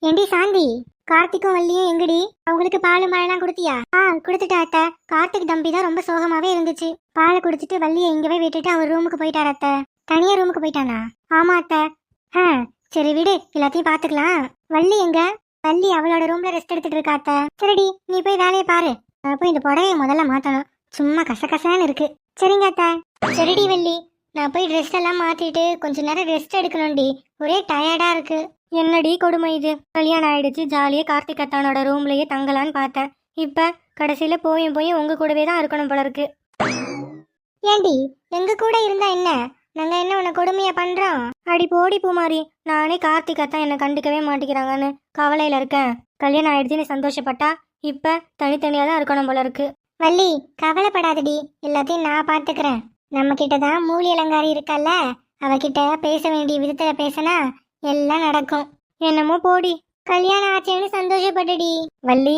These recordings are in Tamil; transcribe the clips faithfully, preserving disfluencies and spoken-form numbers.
ஏண்டி சாந்தி, கார்த்திக்கும் வள்ளியும் எங்கடி? அவங்களுக்கு பால் மழைலாம் கொடுத்தியா? ஆ கொடுத்துட்டா அத்தை. கார்த்திக் தம்பி தான் ரொம்ப சோகமாவே இருந்துச்சு. பாலை குடிச்சிட்டு வள்ளியை இங்கவே விட்டுட்டு அவர் ரூமுக்கு போயிட்டார் அத்தை. தனியா ரூமுக்கு போயிட்டானா? ஆமா அத்தை. ஆ சரி விடு, எல்லாத்தையும் பாத்துக்கலாம். வள்ளி எங்க? வள்ளி அவளோட ரூம்ல ரெஸ்ட் எடுத்துட்டு இருக்கா அத்தை. சரிடி, நீ போய் வேலையை பாரு. நான் போய் இந்த புடவையை முதல்ல மாத்தணும். சும்மா கசகசான்னு இருக்கு. சரிங்க அத்தை. சரிடி வள்ளி, நான் போய் ட்ரெஸ் எல்லாம் மாத்திட்டு கொஞ்ச நேரம் ரெஸ்ட் எடுக்கணும்டி. ஒரே டயர்டா இருக்கு. என்னடி கொடுமை இது? கல்யாணம் ஆயிடுச்சு, ஜாலியா கார்த்திக் அத்தானோட ரூம்லயே தங்கலான்னு பார்த்தேன். இப்ப கடைசியில போயும் போய் உங்க கூடவே தான் இருக்கணும் போல இருக்கு. ஏண்டி, எங்க கூட இருந்தா என்ன? நாங்க என்ன உன்னை கொடுமையா பண்றோம்? அடி போடி பூமாரி, நானே கார்த்திக் அத்தான் என்ன கண்டுக்கவே மாட்டேங்கிறாங்கன்னு கவலையில இருக்கேன். கல்யாணம் ஆயிடுச்சுன்னு சந்தோஷப்பட்டா இப்ப தனித்தனியா தான் இருக்கணும் போல இருக்கு. வள்ளி கவலைப்படாதடி, எல்லாத்தையும் நான் பாத்துக்கிறேன். நம்ம கிட்டதான் மூலி அலங்காரி இருக்கல்ல, அவகிட்ட பேச வேண்டிய விதத்துல பேசினா எல்லாம் நடக்கும். என்னமோ போடி, கல்யாணம் ஆச்சேன்னு சந்தோஷப்பட்டுடி. வள்ளி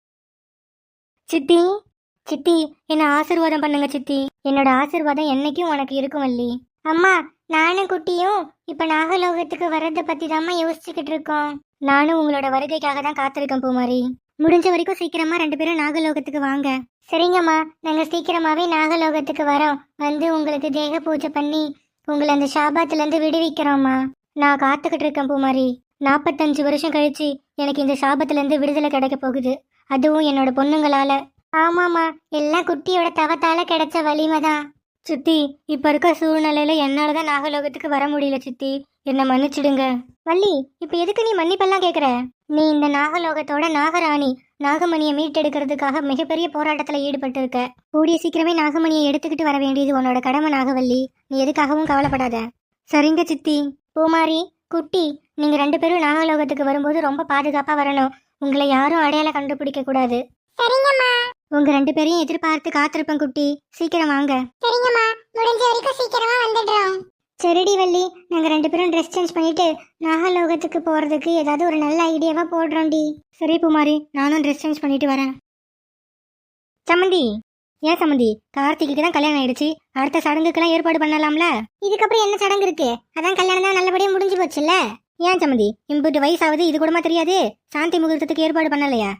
சித்தி, சித்தி என்ன ஆசீர்வாதம் பண்ணுங்க சித்தி. என்னோட ஆசீர்வாதம் என்னைக்கும் உனக்கு இருக்கும் வள்ளி. அம்மா, நானும் குட்டியும் இப்ப நாகலோகத்துக்கு வர்றதை பத்தி தாம்மா யோசிச்சுக்கிட்டு இருக்கோம். நானும் உங்களோட வருகைக்காக தான் காத்திருக்கேன் பூமாரி. முடிஞ்ச வரைக்கும் சீக்கிரமா ரெண்டு பேரும் நாகலோகத்துக்கு வாங்க. சரிங்கம்மா, நாங்க சீக்கிரமாவே நாகலோகத்துக்கு வரோம். வந்து உங்களுக்கு தேக பூஜை பண்ணி உங்களை அந்த சாபத்துல இருந்து விடுவிக்கிறோம்மா. நான் காத்துக்கிட்டு இருக்கேன் பூமாரி. நாற்பத்தஞ்சு வருஷம் கழிச்சு எனக்கு இந்த சாபத்துல இருந்து விடுதலை கிடைக்க போகுது, அதுவும் என்னோட பொண்ணுங்களால. ஆமாமா, எல்லாம் குட்டியோட தவத்தால கிடைச்ச வலிமை தான் சித்தி. இப்ப இருக்க சூழ்நிலையில என்னாலதான் நாகலோகத்துக்கு வர முடியல சித்தி, என்ன மன்னிச்சிடுங்க. வள்ளி, இப்ப எதுக்கு நீ மன்னிப்பெல்லாம் கேக்குற? நீ இந்த நாகலோகத்தோட நாகராணி. நாகமணியை மீட்டெடுக்கிறதுக்காக மிகப்பெரிய போராட்டத்துல ஈடுபட்டு இருக்க. கூடிய சீக்கிரமே நாகமணியை எடுத்துக்கிட்டு வர வேண்டியது உன்னோட கடமை நாகவல்லி. நீ எதுக்காகவும் கவலைப்படாத. சரிங்க சித்தி. பூமாரி, குட்டி, நீங்க ரெண்டு பேரும் நாகலோகத்துக்கு வரும்போது ரொம்ப பாதுகாப்பா வரணும். உங்களை யாரும் அடையாளம் கண்டுபிடிக்க கூடாது. சரிங்கம்மா. உங்க ரெண்டு பேரையும் எதிர்பார்த்து காத்திருப்பேன் குட்டி, சீக்கிரம் வாங்க. சரிங்கம்மா, முடிஞ்ச வரைக்கும் சீக்கிரமா வந்துடுறோம். சரிடி வள்ளி, நாங்க ரெண்டு பேரும் ட்ரெஸ் சேஞ்ச் பண்ணிட்டு நாகலோகத்துக்கு போறதுக்கு ஏதாவது ஒரு நல்ல ஐடியாவா போடுறோம்டி. சரி பூமாரி, நானும் ட்ரெஸ் சேஞ்ச் பண்ணிட்டு வரேன். சம்மந்தி, ஏன் சம்மந்தி, கார்த்திக்கு தான் கல்யாணம் ஆயிடுச்சு, அடுத்த சடங்குக்கெல்லாம் ஏற்பாடு பண்ணலாம்ல? இதுக்கப்புறம் என்ன சடங்கு இருக்கு? அதான் கல்யாணம் தான் நல்லபடியா முடிஞ்சு போச்சுல்ல. ஏன் சம்மந்தி, இம்புட்டு வயசாவது இது கூடமா தெரியாது? சாந்தி முகூர்த்தத்துக்கு ஏற்பாடு பண்ணலையா?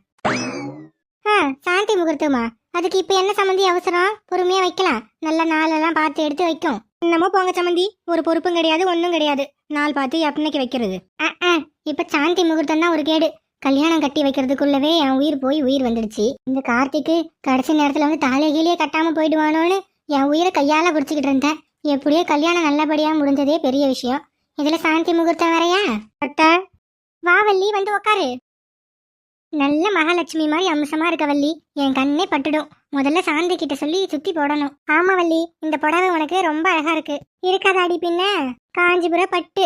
ஆ சாந்தி முகூர்த்தமா? அதுக்கு இப்ப என்ன சம்மந்தி அவசரம்? பொறுமையா வைக்கலாம், நல்ல நாளெல்லாம் பார்த்து எடுத்து வைக்கும். என்னமோ போங்க சம்மந்தி, ஒரு பொறுப்பும் கிடையாது ஒன்றும் கிடையாது. நாள் பார்த்து எப்பனைக்கு வைக்கிறது. இப்ப சாந்தி முகூர்த்தம் தான் ஒரு கேடு. கல்யாணம் கட்டி வைக்கிறதுக்குள்ளவே என் உயிர் போய் உயிர் வந்துடுச்சு. இந்த கார்த்திக்கு கடைசி நேரத்துல வந்து தலைகீழியே கட்டாம போயிடுவானோன்னு என் உயிரை கையால பிடிச்சிக்கிட்டு இருந்தேன். எப்படியோ கல்யாணம் நல்லபடியா முடிஞ்சதே பெரிய விஷயம். இதுல சாந்தி முகூர்த்தம் வரையா? அத்தை, வா வள்ளி, வந்து உக்காரு. நல்ல மகாலட்சுமி மாதிரி அம்சமா இருக்க வள்ளி, என் கண்ணே பட்டுடும். முதல்ல சாந்தி கிட்ட சொல்லி சுத்தி போடணும். ஆமா வள்ளி, இந்த புடவை உனக்கு ரொம்ப அழகா இருக்கு. இருக்காதாடி பின்ன? காஞ்சிபுர பட்டு.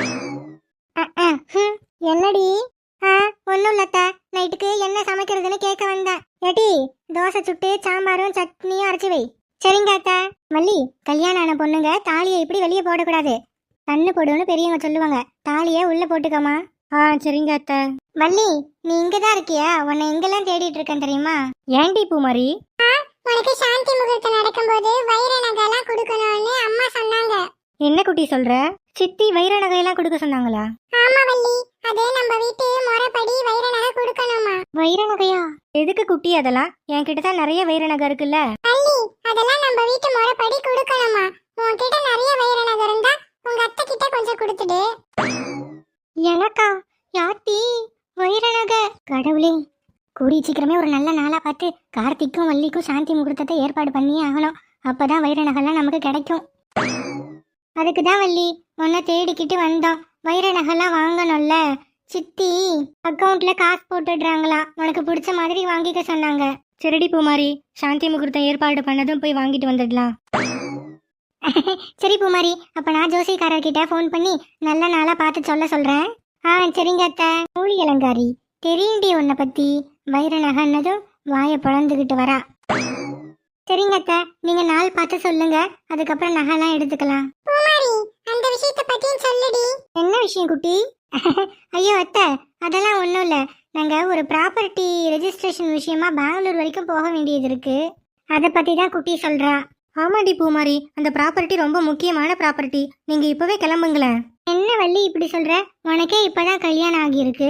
என்னடி? ஆ ஒன்னும் இல்லத்த, நைட்டுக்கு என்ன சமைக்கிறதுன்னு கேட்க வந்தேன். ஏட்டி, தோசை சுட்டு சாம்பாரும் சட்னியும் அரைச்சி வை. சரிங்க அத்த. வள்ளி, கல்யாணம் ஆன பொண்ணுங்க தாலியை இப்படி வெளியே போடக்கூடாது, கண்ணு போடுன்னு பெரியவங்க சொல்லுவாங்க. தாலியை உள்ள போட்டுக்கோமா. ஆ சரிங்க அத்த. வள்ளி, நீ இங்கதான் இருக்கியா? உன்னை எங்கெல்லாம் தேடிட்டு இருக்கேன் தெரியுமா? ஏன்டி பூமாரி? உனக்கு சாந்தி முகூர்த்தம் நடக்கும்போது வைர நகைலாம் கொடுக்கணும்னு அம்மா சொன்னாங்க. என்ன குட்டி சொல்ற? சித்தி வைர நகையெல்லாம் கொடுக்க சொன்னாங்களா? ஆமா வள்ளி, அதே நம்ம வீட்டு முறைப்படி வைர நகை கொடுக்கணுமா. வைர நகையா? எதுக்கு குட்டி அதெல்லாம்? என்கிட்ட தான் நிறைய வைர நகை இருக்குல்ல. வள்ளி, அதெல்லாம் நம்ம வீட்டு முறைப்படி கொடுக்கணுமா. உன்கிட்ட நிறைய வைர நகை இருந்தா உங்க அத்தை கிட்ட கொஞ்சம் கொடுத்துடு. எனக்கா? யாத்தி வைர நகை? கடவுளே, கூடிய சீக்கிரமே ஒரு நல்ல நாளா பார்த்து கார்த்திக்கும் வள்ளிக்கும் சாந்தி முகூர்த்தத்தை ஏற்பாடு பண்ணியே ஆகணும். அப்பதான் வைர நகைலாம் நமக்கு கிடைக்கும். அதுக்கு தான் வள்ளி உன்னை தேடிக்கிட்டு வந்தோம். வைர நகைலாம் வாங்கணும்ல. சித்தி அக்கௌண்ட்ல காசு போட்டுடுறாங்களா, உனக்கு பிடிச்ச மாதிரி வாங்கிக்க சொன்னாங்க. சரிடி பூமாரி, சாந்தி முகூர்த்தம் ஏற்பாடு பண்ணதும் போய் வாங்கிட்டு வந்துடலாம். சரி பூமாரி, அப்ப நான் ஜோசிக்காரர்கிட்ட ஃபோன் பண்ணி நல்ல நாளா பார்த்து சொல்ல சொல்றேன். ஆ சரிங்க அத்தை. மூலி அலங்காரி, தெரியுண்டி உன்னை பத்தி. வைர நகைன்னதும் வாயை பிளந்துக்கிட்டு வரா. சரிங்க அத்தை, நீங்க நாள் பார்த்து சொல்லுங்க, அதுக்கப்புறம் நகைலாம் எடுத்துக்கலாம். பூமாரி, அந்த விஷயத்தை பத்தியும் சொல்லுடி. என்ன விஷயம் குட்டி? ஐயோ அத்தை, அதெல்லாம் ஒன்றும் இல்லை. நாங்கள் ஒரு ப்ராப்பர்ட்டி ரெஜிஸ்ட்ரேஷன் விஷயமா பெங்களூர் வரைக்கும் போக வேண்டியது இருக்கு, அதை பற்றி தான் குட்டி சொல்கிறா. ஆமாடி பூமாரி, அந்த ப்ராப்பர்ட்டி ரொம்ப முக்கியமான ப்ராப்பர்ட்டி. நீங்கள் இப்போவே கிளம்புங்களேன். என்ன வள்ளி இப்படி சொல்கிற? உனக்கே இப்போ தான் கல்யாணம் ஆகியிருக்கு,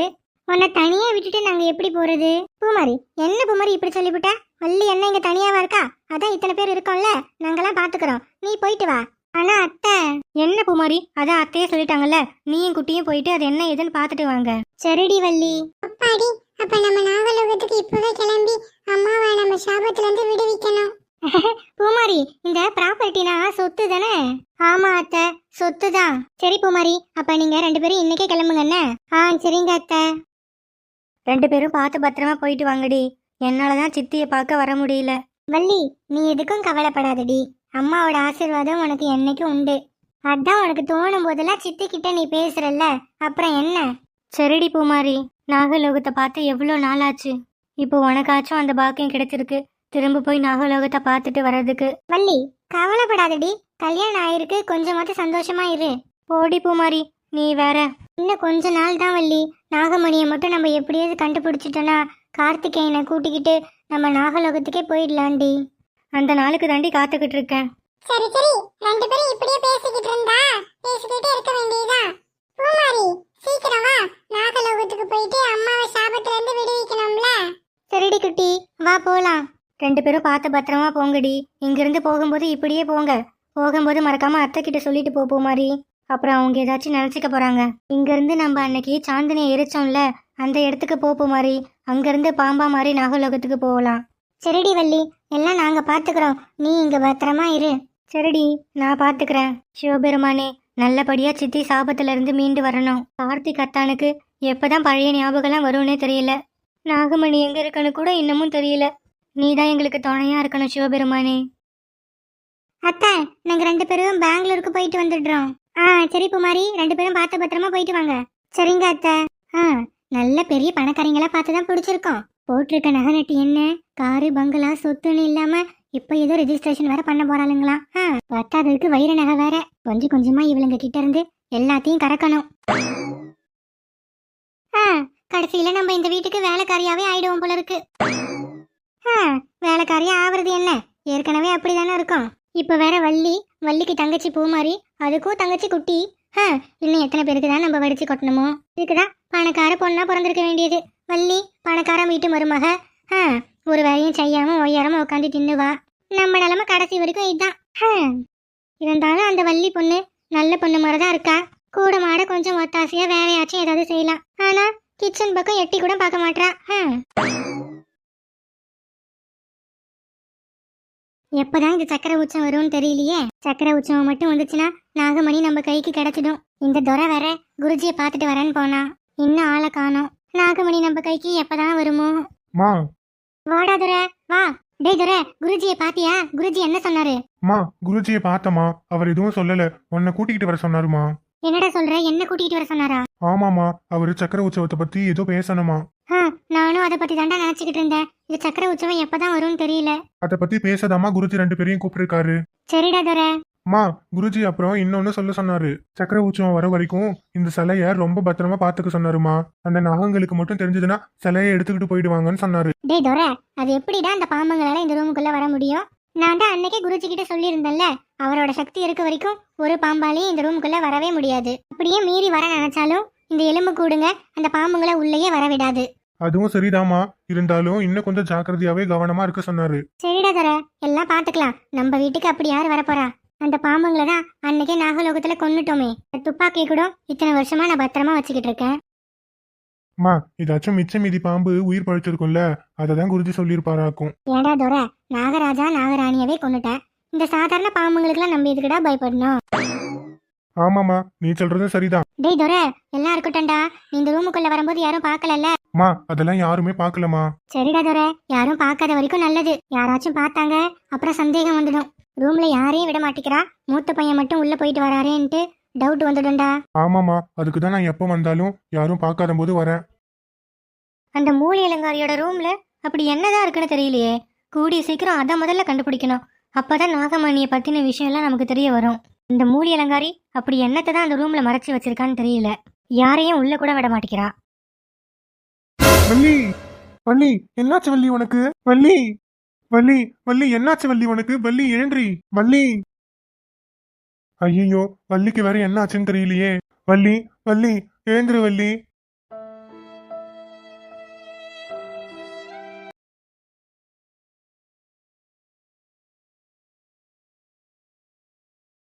உன்னை தனியா விட்டுட்டு நாங்க எப்படி போறது? பூமாரி, என்ன பூமாரி இப்படி சொல்லிவிட்ட? வள்ளி என்ன இங்க தனியாவா இருக்கா? அதான் இத்தனை பேர் இருக்கோம்ல, நாங்கெல்லாம் பாத்துக்கிறோம், நீ போயிட்டு வா. ஆனா அத்தை. என்ன பூமாரி, அதான் அத்தையே சொல்லிட்டாங்கல்ல, நீயும் குட்டியும் போயிட்டு அது என்ன ஏதுன்னு பாத்துட்டு வாங்க. சரிடி வள்ளி. அப்பாடி, அப்ப நம்ம நாகலோகத்துக்கு இப்பவே கிளம்பி அம்மாவை நம்ம சாபத்துல இருந்து விடுவிக்கணும். பூமாரி, இந்த ப்ராப்பர்ட்டினா சொத்து தானே? ஆமா அத்தை, சொத்து தான். சரி பூமாரி, அப்ப நீங்க ரெண்டு பேரும் இன்னைக்கே கிளம்புங்க என்ன? ஆ சரிங்க அத்தை. ரெண்டு பேரும் பார்த்து பத்திரமா போயிட்டு வாங்கடி. என்னாலதான் சித்தியை பார்க்க வர முடியல. வள்ளி, நீ எதுக்கும் கவலைப்படாதடி, அம்மாவோட ஆசீர்வாதம் உனக்கு என்னைக்கும் உண்டு. அதான் உனக்கு தோணும் போதெல்லாம் சித்தி கிட்ட நீ பேசுறல்ல, அப்புறம் என்ன? சரிடி பூமாரி, நாகலோகத்தை பார்த்து எவ்வளோ நாளாச்சு. இப்போ உனக்காச்சும் அந்த பாக்கியம் கிடைச்சிருக்கு, திரும்ப போய் நாகலோகத்தை பார்த்துட்டு வர்றதுக்கு. வள்ளி, கவலைப்படாதடி, கல்யாணம் ஆயிருக்கு, கொஞ்சமாவது சந்தோஷமா இரு. போடி பூமாரி, நீ வேற. இன்னும் கொஞ்ச நாள் தான் வள்ளி, நாகமணியை மட்டும் நம்ம எப்படியாவது கண்டுபிடிச்சிட்டோன்னா கார்த்திகேயனை கூட்டிக்கிட்டு நம்ம நாகலோகத்துக்கே போயிடலாண்டி. அந்த நாளுக்கு தாண்டி காத்துக்கிட்டு இருக்கேன். சரி சரி, ரெண்டு பேரும் இப்படியே பேசிக்கிட்டு இருந்தா பேசிக்கிட்டே இருக்க வேண்டியதா. பூமாரி, சீக்கிரம் வா, நாகலோகத்துக்கு போயிட்டு அம்மாவை சாபத்துல இருந்து விடுவிக்கணும்ல. சரிடி குட்டி, வா போலாம். ரெண்டு பேரும் பார்த்து பத்திரமா போங்கடி. இங்கிருந்து போகும்போது இப்படியே போங்க. போகும்போது மறக்காம அத்தை கிட்ட சொல்லிட்டு போ பூமாரி, அப்புறம் அவங்க ஏதாச்சும் நினைச்சுக்க போறாங்க. இங்கிருந்து நம்ம அன்னைக்கு சாந்தினியை எரிச்சோம்ல, அந்த இடத்துக்கு போ பூமாரி. அங்கிருந்து பாம்பா மாதிரி நாகலோகத்துக்கு போகலாம். சரிடி வள்ளி, எல்லாம் நாங்க பாத்துக்கிறோம், நீ இங்க பத்திரமா இரு. சரிடி, நான் பாத்துக்கிறேன். சிவபெருமானே, நல்லபடியா சித்தி சாபத்துல இருந்து மீண்டு வரணும். கார்த்திக் அத்தானுக்கு எப்பதான் பழைய ஞாபகம்லாம் வரும்னே தெரியல. நாகமணி எங்க இருக்குன்னு கூட இன்னமும் தெரியல. நீதான் எங்களுக்கு துணையா இருக்கணும் சிவபெருமானே. அத்தை, நாங்க ரெண்டு பேரும் பெங்களூருக்கு போயிட்டு வந்துடுறோம். ஆ சரி பூமாரி, ரெண்டு பேரும் பார்த்து பத்திரமா போயிட்டு வாங்க. சரிங்க அத்தை. ஆ, நல்ல பெரிய பணக்காரங்களா பார்த்துதான் பிடிச்சிருக்கோம். போட்டிருக்க நகை நட்டு என்ன, காரு பங்களா சொத்துன்னு இல்லாம இப்ப ஏதோ ரெஜிஸ்ட்ரேஷன் வேற பண்ண போறாளுங்களா? ஆ, பத்தாததுக்கு வைர நகை வேற. கொஞ்சம் கொஞ்சமா இவளுங்க கிட்ட இருந்து எல்லாத்தையும் கறக்கணும். ஆ, கடைசியில நம்ம இந்த வீட்டுக்கு வேலைக்காரியாவே ஆயிடுவோம் போல இருக்கு. ஆ, வேலைக்காரியா ஆவறது என்ன, ஏற்கனவே அப்படிதானே இருக்கும். இப்ப வேற வள்ளி, வள்ளிக்கு தங்கச்சி பூமாரி, அதுக்கும் தங்கச்சி குட்டி. ஆ, இன்னும் எத்தனை பேருக்கு தான் நம்ம வடிச்சு கொட்டணுமோ. இதுக்குதான் பணக்கார பொண்ணா பிறந்திருக்க வேண்டியது. வள்ளி பணக்கார வீட்டு மருமக. ஆ, ஒரு வேலையும் செய்யாம ஒய்யாரமா உட்காந்து தின்னுவா. நம்ம நிலமை கடைசி வரைக்கும் இதுதான். இருந்தாலும் அந்த வள்ளி பொண்ணு நல்ல பொண்ணு மாதிரிதான் இருக்கா. கூட மாட கொஞ்சம் ஒத்தாசையா வேலையாச்சும் ஏதாவது செய்யலாம். ஆனா கிச்சன் பக்கம் எட்டி கூட பார்க்க மாட்டா. எப்பதான் இந்த சக்கரை உச்சம் வரும்னு தெரியலையே. சக்கரை உச்சம் மட்டும் வந்துச்சுன்னா நாகமணி நம்ம கைக்கு கிடைச்சிடும். இந்த துரை வேற குருஜியை பார்த்துட்டு வரேன்னு போனா, இன்னும் ஆளை காணோம். நாகமணி நம்ம கைக்கு எப்பதான் வருமோ? வாடா துரை, வா. டேய் துரை, குருஜியை பாத்தியா? குருஜி என்ன சொன்னாரு? மா, குருஜியை பார்த்தமா, அவர் எதுவும் சொல்லல, உன்னை கூட்டிகிட்டு வர சொன்னாருமா. என்னடா சொல்ற, என்ன கூட்டிகிட்டு வர சொன்னாரா? ஆமாமா, அவரு சக்கர உற்சவத்தை பத்தி ஏதோ பேசணுமா. நானும் அதை பத்தி தாண்டா நினைச்சுக்கிட்டு இருந்தேன். இது சக்கர உற்சவம் எப்பதான் வரும்னு தெரியல. அத பத்தி பேசதாமா குருஜி ரெண்டு பேரையும் கூப்பிட்டிருக்காரு. சரிடா துரை. மா, குருஜி அப்புறம் இன்னொன்னு சொல்ல சொன்னாரு. சக்கர உற்சவம் வர வரைக்கும் இந்த சிலைய ரொம்ப பத்திரமா பாத்துக்க சொன்னாருமா. அந்த நாகங்களுக்கு மட்டும் தெரிஞ்சதுன்னா சிலையை எடுத்துக்கிட்டு போயிடுவாங்கன்னு சொன்னாரு. டேய் துரை, அது எப்படிடா அந்த பாம்பங்களால இந்த ரூமுக்குள்ள வர முடியும்? நான் தான் அன்னைக்கே குருஜி கிட்ட சொல்லியிருந்தேன்ல, அவரோட சக்தி இருக்க வரைக்கும் ஒரு பாம்பாலையும் இந்த ரூமுக்குள்ள வரவே முடியாது. அப்படியே மீறி வர நினைச்சாலும் இந்த எலும்பு கூடுங்க அந்த பாம்புங்களை உள்ளேயே வர விடாது. அதுவும் சரிதாமா, இருந்தாலும் இன்னும் கொஞ்சம் ஜாக்கிரதையாவே கவனமா இருக்க சொன்னாரு. சரிடா துரை, எல்லாம் பாத்துக்கலாம். நம்ம வீட்டுக்கு அப்படி யாரு வரப்போறா? அந்த பாம்புங்களை தான் அன்னைக்கே நாகலோகத்துல கொன்னுட்டோமே. துப்பாக்கி கூட இத்தனை வருஷமா நான் பத்திரமா வச்சுக்கிட்டு இருக்கேன். மா, இதாச்சும் மிச்ச மீதி பாம்பு உயிர் பழிச்சிருக்கும்ல, அததான் குருஜி சொல்லியிருப்பாராக்கும். ஏடா துரை, நாகராஜா நாகராணியவே கொன்னுட்டேன். இந்த சாதாரண பாம்புங்களுக்குலாம் நம்ம எதுக்குடா பயப்படணும்? ஆமாமா, நீ சொல்றதும் சரிதான். டேய் துரை, எல்லாம் இருக்கட்டும்டா. நீ இந்த ரூமுக்குள்ள வரும்போது யாரும் பாக்கலல்ல? மா, அதெல்லாம் யாருமே பாக்கலமா. சரிடா துரை, யாரும் பார்க்காத வரைக்கும் நல்லது. யாராச்சும் பார்த்தாங்க அப்புறம் சந்தேகம் வந்துடும். ரூம்ல யாரையும் விட மாட்டேங்கிறா, மூத்த பையன் மட்டும் உள்ள போயிட்டு வராரேன்ட்டு டவுட் வந்துடும்டா. ஆமாமா, அதுக்குதான் நான் எப்ப வந்தாலும் யாரும் பார்க்காத போது வரேன். அந்த மூலி அலங்காரியோட ரூம்ல அப்படி என்னதான் இருக்குன்னு தெரியலையே. கூடிய சீக்கிரம் அதை முதல்ல கண்டுபிடிக்கணும். அப்பதான் நாகமணியை பத்தின விஷயம் எல்லாம் நமக்கு தெரிய வரும். இந்த மூலி அலங்காரி அப்படி என்னத்தை தான் அந்த ரூம்ல மறைச்சு வச்சிருக்கான்னு தெரியல. யாரையும் உள்ள கூட விட மாட்டேங்கிறா. வள்ளி, வள்ளி, என்னாச்சு வள்ளி உனக்கு? வள்ளி, வள்ளி, வள்ளி, என்னாச்சு வள்ளி உனக்கு? வள்ளி, எழுன்றி வள்ளி. ஐயோ, வள்ளிக்கு வேற என்னாச்சுன்னு தெரியலையே. வள்ளி, வள்ளி, எழுந்துரு வள்ளி.